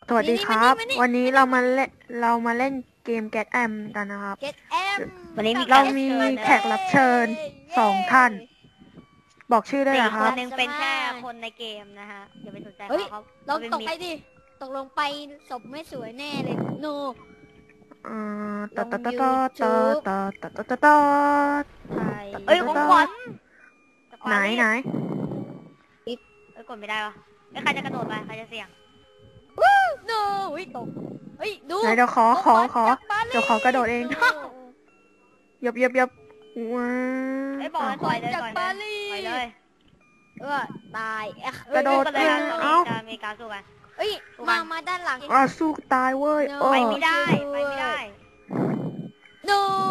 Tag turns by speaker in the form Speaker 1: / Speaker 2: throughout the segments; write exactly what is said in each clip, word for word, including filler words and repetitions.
Speaker 1: สวัสดีครับ วันนี้เรามาเล่นเรามาเล่นเกม Get Am กันนะครับ
Speaker 2: Get M
Speaker 3: วันนี้มี
Speaker 1: เรามีแขกรับเชิญสองท่าน บอกชื่อได้
Speaker 3: สี่
Speaker 1: เหรอ
Speaker 3: ค
Speaker 1: ครั
Speaker 3: น
Speaker 1: บ
Speaker 3: หนึ่งเป็นแค่คนในเกมนะฮะอย่าไปสนใจ
Speaker 2: เฮ้ย
Speaker 3: เขาเขา
Speaker 2: ลอง
Speaker 3: เป็น
Speaker 2: ตก
Speaker 3: มิ
Speaker 2: ไป
Speaker 3: ตร
Speaker 2: ดิ ตกลงไปศพไม่สวยแน่เลย โน
Speaker 1: อ่าตอตอตอ
Speaker 2: ลง
Speaker 1: ตอ
Speaker 2: YouTube
Speaker 1: ตอตอตอตอตอ
Speaker 2: ไทย
Speaker 3: เอ้ยของขวัญ
Speaker 1: ไหนไหน
Speaker 3: เอ้ยกดไม่ได้วะเอ้ยใครจะกระโดดไปใครจะเสี่ยง
Speaker 2: โนเฮ้ยตก เฮ้ย ดู
Speaker 1: ไหนเดี๋ยวขอขอขอ
Speaker 2: ของขวัญจาก
Speaker 1: เดี๋ยวขอกระโดดเอง
Speaker 2: โน
Speaker 1: ยับยับยับว้า
Speaker 3: เอ้ยบอก
Speaker 1: ว
Speaker 3: มันปล่อยเลย
Speaker 2: จาก
Speaker 3: ปล่อย
Speaker 2: ปา
Speaker 3: เล
Speaker 2: รี
Speaker 3: ยปล่อยเลย
Speaker 2: เออตายเอ๊ะ
Speaker 1: กระโดด
Speaker 3: เอ้ยกันเลยครับตอน
Speaker 1: เอ้า
Speaker 3: นี้จะอเมริกาสู้กัน
Speaker 2: เอ้ย
Speaker 3: สู้กั
Speaker 2: มาน มาด้านหลัง
Speaker 1: อ่าสู้ตายเว้ย
Speaker 2: No
Speaker 1: โอ้
Speaker 3: ไปไม่ได้ไปไม่ได้
Speaker 2: โน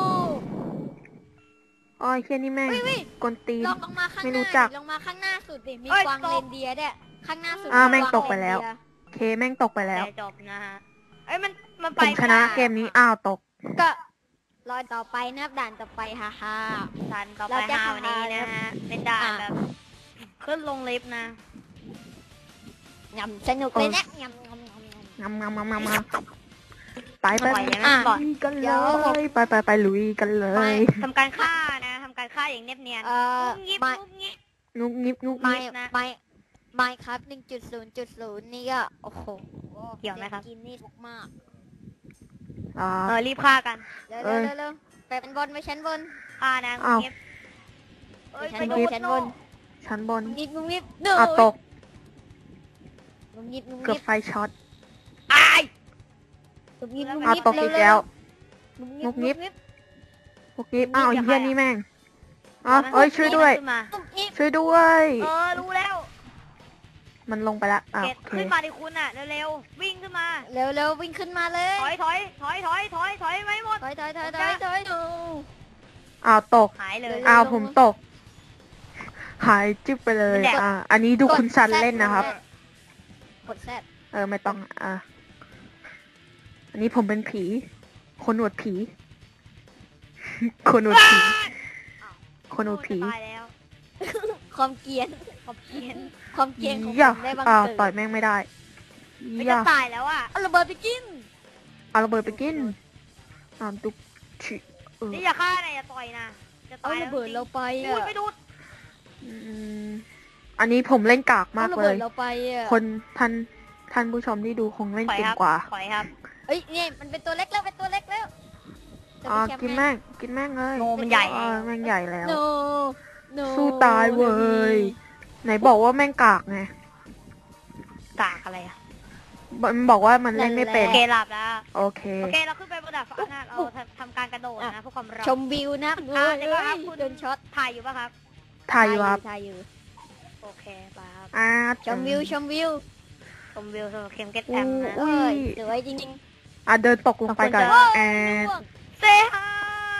Speaker 1: อ้อยเฮียนี่แม่ง
Speaker 2: เฮ้ยเฮ้ย
Speaker 1: กวนตีน
Speaker 2: ลองลงมาข้าง
Speaker 1: ไม่
Speaker 2: ห
Speaker 1: รู้
Speaker 2: น้า
Speaker 1: จัก
Speaker 2: ดิลงมาข้างหน้าสุดดิ มี
Speaker 3: เอ้ย
Speaker 2: กวาง
Speaker 3: ตก
Speaker 2: เรนเดียร์ด้วยข้างหน้าสุด
Speaker 1: อ่า
Speaker 2: มี
Speaker 1: แม่ง
Speaker 2: กวา
Speaker 1: ตกไปแล้ว
Speaker 2: เรนเดียร์
Speaker 1: เคแม่งตกไปแล้ว
Speaker 3: แต่จบนะฮะเอ้ยมันมัน
Speaker 1: ผ
Speaker 3: ไป
Speaker 1: มชนะเกมนี้อ้าวตก
Speaker 2: ก็รอต่อไปนะครับด่านต่อไปฮ่าฮ่า
Speaker 3: ทันต่อไป
Speaker 2: เราจะ
Speaker 3: ห้าวันนี้นะฮะเป็นด่าน
Speaker 2: อ่ะ
Speaker 3: แบบขึ้นลงลิฟต์นะ
Speaker 2: ยำสนุกเลยนะยำยำยำยำ
Speaker 1: งำงำงำงำงำไปไป
Speaker 3: ปล่อยเลยไหม
Speaker 2: อ่ะ
Speaker 3: ปล่อย
Speaker 1: ลุยกัน
Speaker 2: เดี๋
Speaker 1: เล
Speaker 2: ยว
Speaker 1: ยไปไปไปลุยกันเล
Speaker 2: ไม่
Speaker 1: ย
Speaker 3: ทำการฆ่านะทำการฆ่าอย่างเนียบเนียน
Speaker 2: เอ่อ
Speaker 3: งุ้มงิบ
Speaker 2: ไม่
Speaker 3: งุ้มงิบ
Speaker 1: งุกงิบงุก
Speaker 2: ไม่
Speaker 1: งิบ
Speaker 3: นะ
Speaker 2: ไม่ไม่ครับหนึ่งจุดศูนย์จุดศูนย์นี่ก็โอ้โห
Speaker 3: เกี่ยวไหมครับ
Speaker 2: ด็กกินนี่ทุกมาก
Speaker 1: อ่า
Speaker 3: เออรีบฆ่ากัน
Speaker 2: เร็ว
Speaker 1: เอ้
Speaker 2: เร็วย เร็วเร็วไปเป็นบนไปชั้นบน
Speaker 3: ฆ่านะ
Speaker 1: อ้าว
Speaker 3: เงียบเอ้ย
Speaker 2: ฉั
Speaker 3: ไป
Speaker 2: น
Speaker 3: ดู
Speaker 2: บน
Speaker 3: ด
Speaker 2: ฉัน
Speaker 3: โน
Speaker 2: บน
Speaker 1: ชั้นบน
Speaker 2: งุบงิบงุบงิบเดือ
Speaker 1: อ่ะตก
Speaker 2: งุบงิบงุบ
Speaker 1: เกือบ
Speaker 2: งิบ
Speaker 1: ไฟช็อต
Speaker 3: อาย
Speaker 2: งุบงิบงุบ
Speaker 1: อ่ะ
Speaker 2: งิบ
Speaker 1: ตกอีกแล้ว
Speaker 2: งุบงิบ
Speaker 1: งุบงิบ
Speaker 2: งุบงิบ
Speaker 1: งุกงิบอ้าว
Speaker 3: อย่า
Speaker 1: เฮีย
Speaker 3: ฆ่า
Speaker 1: นี่แม่งอ๋อเอ้ยช่วยด้วย
Speaker 3: ขึ้นมา
Speaker 2: งุบงิบ
Speaker 1: ช่วยด้วย
Speaker 3: เออรู้แล้ว
Speaker 1: มันลงไปละอ่ะ
Speaker 3: เกต
Speaker 1: โอเค
Speaker 3: ขึ้นมาดิคุณอ่ะเร็วๆวิ่งขึ้นมา
Speaker 2: เร็วเร็ววิ่งขึ้นมาเลย
Speaker 3: ถอยถอยถอยถอยถอยถอยไม่หมด
Speaker 2: ถอยถอยถอยถอยถอยดู
Speaker 1: อ้าวตก
Speaker 3: หายเลย
Speaker 1: อ้าวผมตก หายจิ๊บไปเลย
Speaker 3: แดก
Speaker 1: อ่าอันนี้ดูคุณซันเล่นนะครับ
Speaker 2: กดแซด
Speaker 1: เออไม่ต้องอ่ะอันนี้ผมเป็นผี คนหนวดผี คนหนวดผี คนหนวดผี
Speaker 3: จะตายแล้ว
Speaker 2: ความเกรียน
Speaker 3: ขอบเพียน
Speaker 2: ความเกรียนของ
Speaker 1: อย่า
Speaker 2: ผมได้บัง
Speaker 1: อ่า
Speaker 2: เกิด
Speaker 1: ต่อยแม่งไม่ได้
Speaker 3: ไม่
Speaker 1: อ
Speaker 3: จะ
Speaker 1: ย่า
Speaker 3: ตายแล้วอ่ะ
Speaker 2: เอาระเบิดไปกิน
Speaker 1: เอาระเบิดไปกินอ่าดุกชิเออ
Speaker 3: นี่อย่าฆ่านะอย่าต่อยนะจะ
Speaker 2: เอา
Speaker 3: ตาย
Speaker 2: ระเบิดเราไป
Speaker 3: พู
Speaker 2: อ่ะ
Speaker 3: ดไม่ดูด
Speaker 1: อืมอันนี้ผมเล่นกาก
Speaker 2: เอา
Speaker 1: มาก
Speaker 2: ระ
Speaker 1: เล
Speaker 2: เบิด
Speaker 1: ย
Speaker 2: เราไปอ่ะ
Speaker 1: คนท่านท่านผู้ชมที่ดูคงเล่น
Speaker 3: ถอย
Speaker 1: เก่ง
Speaker 3: ครับ
Speaker 1: กว่า
Speaker 3: ถอยครับ
Speaker 2: เอ้ยเนี่ยมันเป็นตัวเล็กแล้วเป็นตัวเล็กแล้ว
Speaker 1: อ่ากินแม่งกินแม่งเลย
Speaker 3: โนมันใหญ่
Speaker 1: อ่าแม่งใหญ่แล้ว
Speaker 2: โนโน
Speaker 1: สู้ตายเว้ย ไหนบอกว่าแม่งกากไง
Speaker 3: กากอะไรอ่ะ
Speaker 1: มันบอกว่ามันเล่นไม่เป็น
Speaker 3: โอเคหลับแล้ว
Speaker 1: โอเค
Speaker 3: โอเคเราขึ้นไปบนดาดฟ้านะเราทำทำการกระโดดนะเพื่อความเร็ว
Speaker 2: ชมวิวนะ
Speaker 3: อ่า
Speaker 2: เฮ้
Speaker 3: เดี๋ยวก่อนครับ
Speaker 2: ย
Speaker 3: คุณ
Speaker 2: โดนช็อต
Speaker 3: ถ่ายอยู่ป่ะครับ
Speaker 1: ถ่ายอยู่ครับ
Speaker 2: ถ่ายอยู่
Speaker 3: โอเคไปครับ
Speaker 1: อ่า
Speaker 2: ชมวิวชมวิว
Speaker 3: ชมวิวสำหรับเข็มเก็ต
Speaker 1: อู้
Speaker 3: แอมนะ
Speaker 2: เอ้ยสวยจริง
Speaker 1: อ่ะเดินตกลงไปก่อน
Speaker 3: ขอบคุณจ้ะ
Speaker 1: แอน
Speaker 2: ๆ
Speaker 3: เซฮาย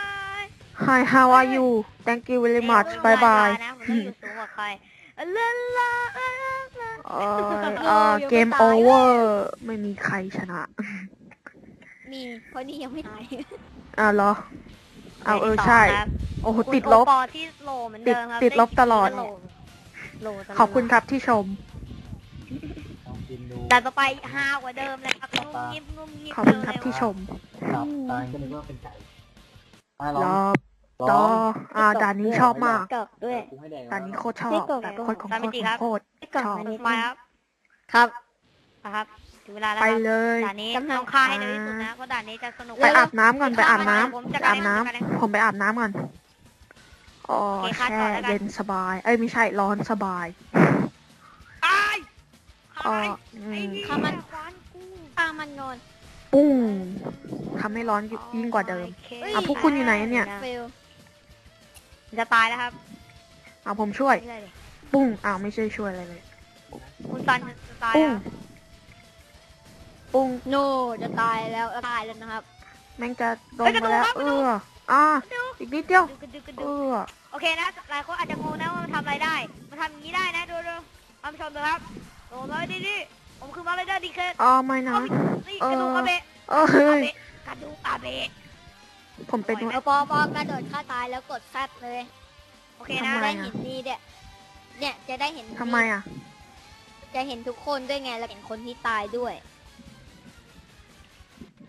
Speaker 1: Hi how are you Thank you very much bye bye
Speaker 3: นะผมต้องอยู่สูงกว่าใครลาลาลาลา
Speaker 1: เออเออเกมโอเวอร์ไม่มีใครชนะ
Speaker 2: มีเพราะนี่ยังไม่ตาย
Speaker 1: อ่ะเหรอเอาเออใช่
Speaker 3: ครับ
Speaker 1: โอ้โห
Speaker 3: คุณ
Speaker 1: ติดลบ
Speaker 3: โอปอที่โลเหมือนเดิมครับ
Speaker 1: ติดติดลบตลอด
Speaker 3: โลโลตลด
Speaker 1: ขอบคุณครับที่ชม
Speaker 4: ลองกินดู
Speaker 3: แต่ต่อไปฮากว่าเดิมเลยครับงุ้มงิบงุ้มงิบ
Speaker 1: ขอบคุณครับที่ชม
Speaker 4: ครับตอนนั้นก็นึกว่าเป็นไก่อ่ะล
Speaker 1: ร
Speaker 4: อง
Speaker 1: อต่ออ่าด่านนี้ชอบมาก
Speaker 2: กรอกด้วย
Speaker 4: กูให้แดง
Speaker 1: ด่านนี้โคตรชอบ
Speaker 2: ไม่กด
Speaker 1: แบบ
Speaker 2: ก็
Speaker 1: โคตรของโคตรของโคตรชอบ
Speaker 3: มาครับ
Speaker 2: ครับ
Speaker 3: มาครับถึงเวลาแล้ว
Speaker 1: ไป
Speaker 3: ครับ
Speaker 1: เลย
Speaker 3: ด่านนี้
Speaker 2: กำลัง
Speaker 3: ต้องฆ่าให้เร็วที่สุดนะเพราะด่านนี้จะสนุก
Speaker 1: ไปอาบน้ำก่อนไปอาบน้ำ
Speaker 3: ผม
Speaker 1: ไป
Speaker 3: จะ
Speaker 1: อาบน้ำ
Speaker 3: จัดการเอง
Speaker 1: ผมไปอาบน้ำก่อนอ๋อ
Speaker 3: โอเคค่ะ
Speaker 1: แช่
Speaker 3: ต่อแล้วกัน
Speaker 1: เย็นสบาย เอ้ยไม่ใช่ร้อนสบาย
Speaker 3: ตาย
Speaker 1: อ๋อ
Speaker 3: ตาย
Speaker 1: อื
Speaker 3: ไอ้
Speaker 1: ม
Speaker 3: นี่
Speaker 2: ข้ามัน
Speaker 3: ฟันกู
Speaker 2: ข้ามันนอน
Speaker 1: ปุ้งทำให้ร้อนยิ่งกว่าเดิม
Speaker 3: โอเค
Speaker 1: อ่ะพวกคุณอยู่ไหนเนี่ย
Speaker 2: เฟล
Speaker 3: จะตายแล้วครับ
Speaker 1: อ่ะผมช่วย
Speaker 3: ไม่ได้เลย
Speaker 1: ปุ้งอ้าวไม่ใช่ช่วยอะไรเลย
Speaker 3: คุณซันจะตาย
Speaker 1: ปุ้ง
Speaker 3: แล้ว
Speaker 1: ปุ้ง
Speaker 2: โนจะตายแล้วตายแล้วนะครับ
Speaker 1: แม่งจะลงมาแล้ว เอออ่ะอีกนิดเดียว
Speaker 3: ดูกระดึกกระ
Speaker 1: เอ
Speaker 3: ดึก
Speaker 1: อ
Speaker 3: โอเคนะหลายคนอาจจะงงนะว่ามันทำอะไรได้มันทำอย่างนี้ได้นะดูดูท่านผู้ชมดูครับโอ้มาดิดิผมคือมาเลยได้ดีเคส
Speaker 1: อ๋อไม่นะ
Speaker 3: นี่กระดูกอาเบะ
Speaker 1: เออเฮ้
Speaker 3: อาย เบะกระดูกอาเบะ
Speaker 1: ผมเป็น
Speaker 2: เอาปอปอกระโดดฆ่าตายแล้วกดแซดเลย
Speaker 3: โอเคนะ
Speaker 1: ทำ
Speaker 2: จะ
Speaker 1: ไม
Speaker 2: ได้เห็นนี่เนี่ยเนี่ยจะได้เห็น
Speaker 1: ทำไมอ่ะ
Speaker 2: จะเห็นทุกคนด้วยไงแล้วเห็นคนที่ตายด้วย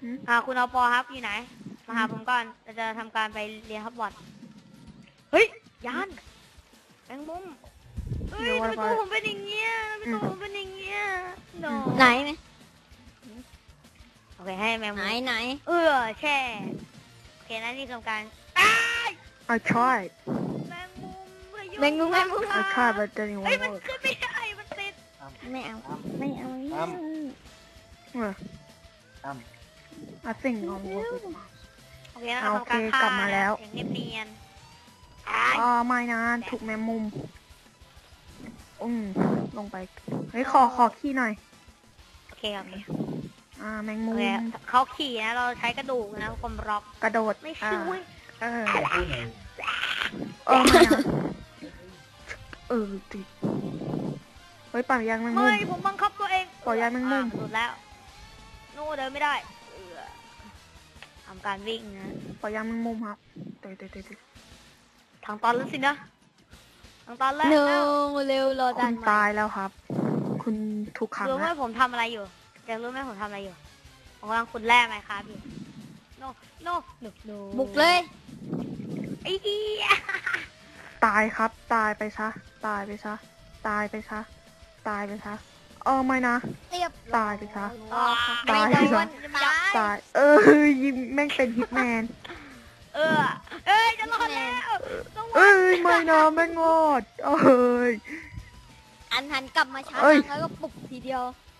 Speaker 1: หืม
Speaker 3: อ่าคุณอปอครับอยู่ไหนมาหาผมก่อนเราจะทำการไปเรียนฮอกวอตส์เฮ้ยยานแมงมุมเฮ้ยทำไมตัวผมเป็นอย่างเงี้ยทำไมตัวผมเป็นอย่างเงี้ย no
Speaker 2: ไหนไหม
Speaker 3: โอเคให้แมง
Speaker 2: ไหน
Speaker 3: มุม
Speaker 2: ไหน
Speaker 3: เออแช่โอเคนะนี่ทำการ
Speaker 1: I tried
Speaker 3: แมงมุมพายุ
Speaker 2: แมงมุมแมงมุม
Speaker 1: I tried but it didn't
Speaker 3: เฮ้ยมัน
Speaker 1: work
Speaker 3: ขึ้นไม่ได้มันติด
Speaker 2: ไม่เอาไม่เอา
Speaker 1: Uh,
Speaker 4: อ้ำ
Speaker 1: I think I'll work with mouse
Speaker 3: โอเคนะ
Speaker 1: อ่า
Speaker 3: ทำการ
Speaker 1: โอเค
Speaker 3: ฆ่าก
Speaker 1: ลับมาแล้ว
Speaker 3: อย่างเนียนๆอ้าย
Speaker 1: อ๋อไม่นะถูกแมงมุมอืมลงไปเฮ้ยขอขอขี้หน่อย
Speaker 3: โอเคโอเค
Speaker 1: อ่าแมง
Speaker 3: โอ
Speaker 1: มุม
Speaker 3: เคเขาขี่นะเราใช้กระดูกนะกลมร็อก
Speaker 1: กระโดด
Speaker 3: ไม่
Speaker 1: อ่า
Speaker 3: ช่วย
Speaker 1: เออ
Speaker 4: พูดหน่อย
Speaker 1: เออไม่นะเออติดเฮ้ยป่ายังแมงมุ
Speaker 3: ไม่
Speaker 1: ม
Speaker 3: ผมบังคับตัวเอง
Speaker 1: ปล่อยยายแมงมุม
Speaker 3: อ่ะหลุดแล้วโน่เดินไม่ได้เออทำการวิ่งนะ
Speaker 1: ปล่อยยังแมงมุมครับเตะเตะเตะเตะ
Speaker 3: ทางตอนแล้วสินะทางตอนแล้ว
Speaker 2: เร็
Speaker 3: แล้ว
Speaker 2: วเร็วรอ
Speaker 1: คุ
Speaker 2: ดัน
Speaker 1: ณตายแล้วครับ คุณถูกขัง
Speaker 3: รู้ไหม
Speaker 1: แล้ว
Speaker 3: ผมทำอะไรอยู่จะรู้ไหมผมทำอะไรอยู่ผมกำลังขุดแร่ไหมครับอยู่โน่โน่โน่โน่
Speaker 2: บุกเลย
Speaker 3: ไอ้เหี้ย
Speaker 1: ตายครับ ตายไปซะตายไปซะตายไปซะตายไปซะเออไม่นะ
Speaker 2: เรียบ
Speaker 1: ตายไปซะ
Speaker 2: ไม่
Speaker 1: ตาย
Speaker 2: โด
Speaker 1: ไปซะ
Speaker 2: นตาย
Speaker 1: ตาย เออยิงแม่งเป็นฮิตแมน
Speaker 3: เออเอ้ยจะรอดแล้วสวัส
Speaker 1: เอ้
Speaker 3: ดี
Speaker 1: ยไม่นะแม่งงอดเอ้ย
Speaker 2: อันหันกลับมาชาร์
Speaker 1: เอ้ย
Speaker 2: จแล้วก็ปลุกทีเดียว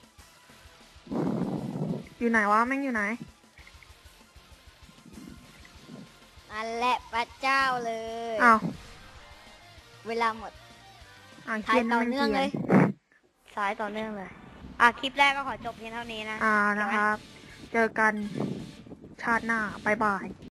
Speaker 1: อยู่ไหนวะแม่งอยู่ไหน
Speaker 2: นั่นแหละพระเจ้าเลย
Speaker 1: อ้าว
Speaker 2: เวลาหมด
Speaker 1: อ้าว
Speaker 2: ถ่าย
Speaker 1: เฮียน
Speaker 2: ต่อ
Speaker 1: แม่ง
Speaker 2: เนื่อง
Speaker 1: เกลี
Speaker 2: เลย ย
Speaker 1: น
Speaker 3: สายต่อเนื่องเลย อ่ะ คลิปแรกก็ขอจบเพียงเท่านี้นะ
Speaker 1: อ่านะครับ เจอกันชาติหน้าบายบาย